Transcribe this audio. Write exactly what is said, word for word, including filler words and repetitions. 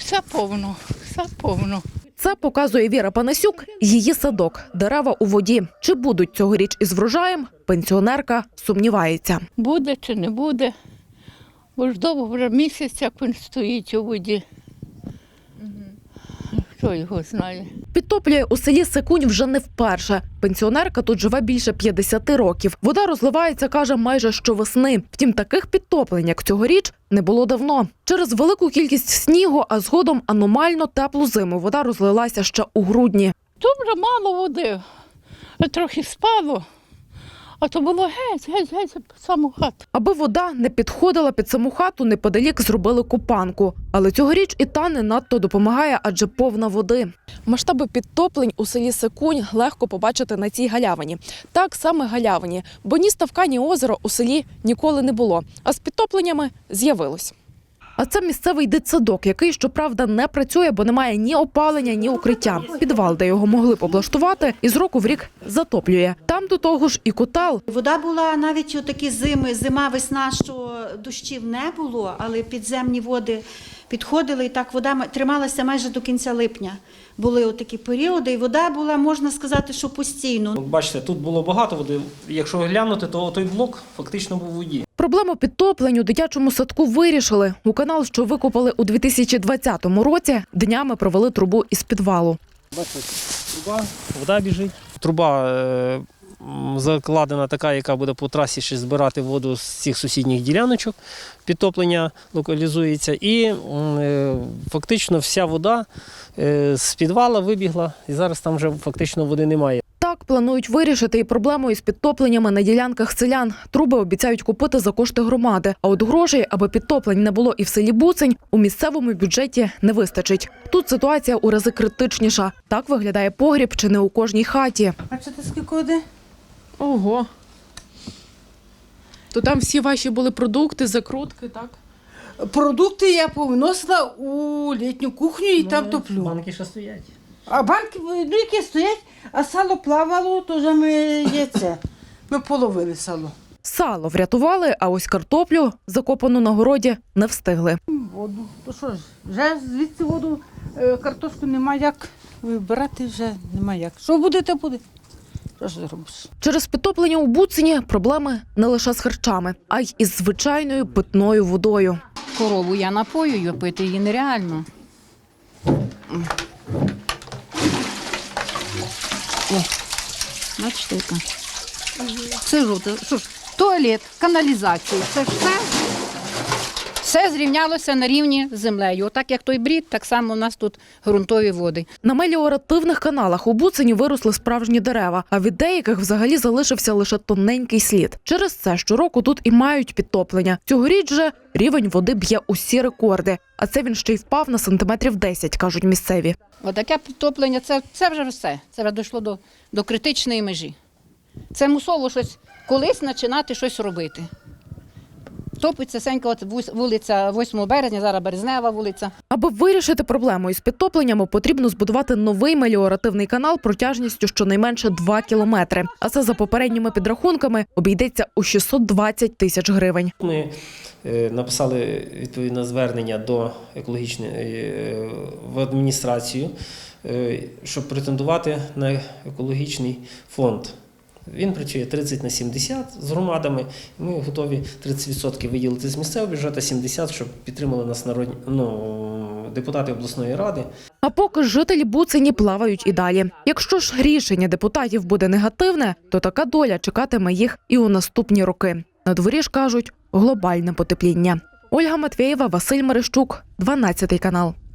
Все повно, все повно. Це показує Віра Панасюк, її садок, дерева у воді. Чи будуть цьогоріч із врожаєм, пенсіонерка сумнівається. Буде чи не буде, бо ж довго вже місяць, як він стоїть у воді. Хто його знає. Підтоплює у селі Секунь вже не вперше. Пенсіонерка тут живе більше п'ятдесяти років. Вода розливається, каже, майже щовесни. Втім, таких підтоплень, як цьогоріч, не було давно. Через велику кількість снігу, а згодом аномально теплу зиму, вода розлилася ще у грудні. Тут вже мало води, трохи спало, а то було геть, геть, геть під саму хату. Аби вода не підходила під саму хату, неподалік зробили копанку. Але цьогоріч і та не надто допомагає, адже повна води. Масштаби підтоплень у селі Секунь легко побачити на цій галявині. Так, саме галявині, бо ні ставка, ні озера у селі ніколи не було, а з підтопленнями з'явилось. А це місцевий дитсадок, який, щоправда, не працює, бо немає ні опалення, ні укриття. Підвал, де його могли б облаштувати, із року в рік затоплює. Там до того ж і котел. Вода була навіть у такі зими, зима, весна, що дощів не було, але підземні води підходили, і так вода трималася майже до кінця липня. Були отакі періоди, і вода була, можна сказати, що постійно. Бачите, тут було багато води. Якщо глянути, то той блок фактично був у воді. Проблему підтоплень у дитячому садку вирішили. У канал, що викопали у дві тисячі двадцятому році, днями провели трубу із підвалу. Бачите, труба, вода біжить. Труба е, закладена така, яка буде по трасі ще збирати воду з цих сусідніх діляночок. Підтоплення локалізується. І е, фактично вся вода е, з підвала вибігла. І зараз там вже фактично води немає. Так планують вирішити і проблему із підтопленнями на ділянках селян. Труби обіцяють купити за кошти громади. А от грошей, аби підтоплень не було і в селі Буцень, у місцевому бюджеті не вистачить. Тут ситуація у рази критичніша. Так виглядає погріб чи не у кожній хаті. Бачите, скільки води? Ого. То там всі ваші були продукти, закрутки, так? Продукти я повиносила у літню кухню і там топлю. Банки ще стоять. А банки, ну, які стоять, а сало плавало, то вже ми є це. Ми половили сало. Сало врятували, а ось картоплю, закопану на городі, не встигли. Воду. То що ж, вже звідси воду, е, картошку нема як вибирати, вже нема як. Що буде, то буде. Що ж зробиш? Через підтоплення у Буцині проблеми не лише з харчами, а й із звичайною питною водою. Корову я напоюю, пити її нереально. О, бачите, яка. Це жовте. Що ж, туалет, каналізація, це ж все. Все зрівнялося на рівні з землею. Отак, як той брід, так само у нас тут ґрунтові води. На меліоративних каналах у Буцині виросли справжні дерева, а від деяких взагалі залишився лише тоненький слід. Через це щороку тут і мають підтоплення. Цьогоріч же рівень води б'є усі рекорди. А це він ще й впав на сантиметрів десять, кажуть місцеві. Отаке підтоплення, це, це вже все. Це вже дійшло до, до критичної межі. Це мусово щось, колись починати щось робити. Топиться сенька, от вулиця восьмого березня, зараз Березнева вулиця. Аби вирішити проблему із підтопленнями, потрібно збудувати новий меліоративний канал протяжністю щонайменше два кілометри. А це за попередніми підрахунками обійдеться у шістсот двадцять тисяч гривень. Ми е, написали відповідне звернення до екологічної е, в адміністрацію, е, щоб претендувати на екологічний фонд. Він працює тридцять на сімдесят з громадами. Ми готові тридцять відсотків виділити з місцевого бюджету, сімдесят відсотків, щоб підтримали нас народні, ну, депутати обласної ради. А поки жителі Буцині плавають і далі. Якщо ж рішення депутатів буде негативне, то така доля чекатиме їх і у наступні роки. На дворі ж кажуть – глобальне потепління. Ольга Матвєєва, Василь Мерещук, дванадцятий канал.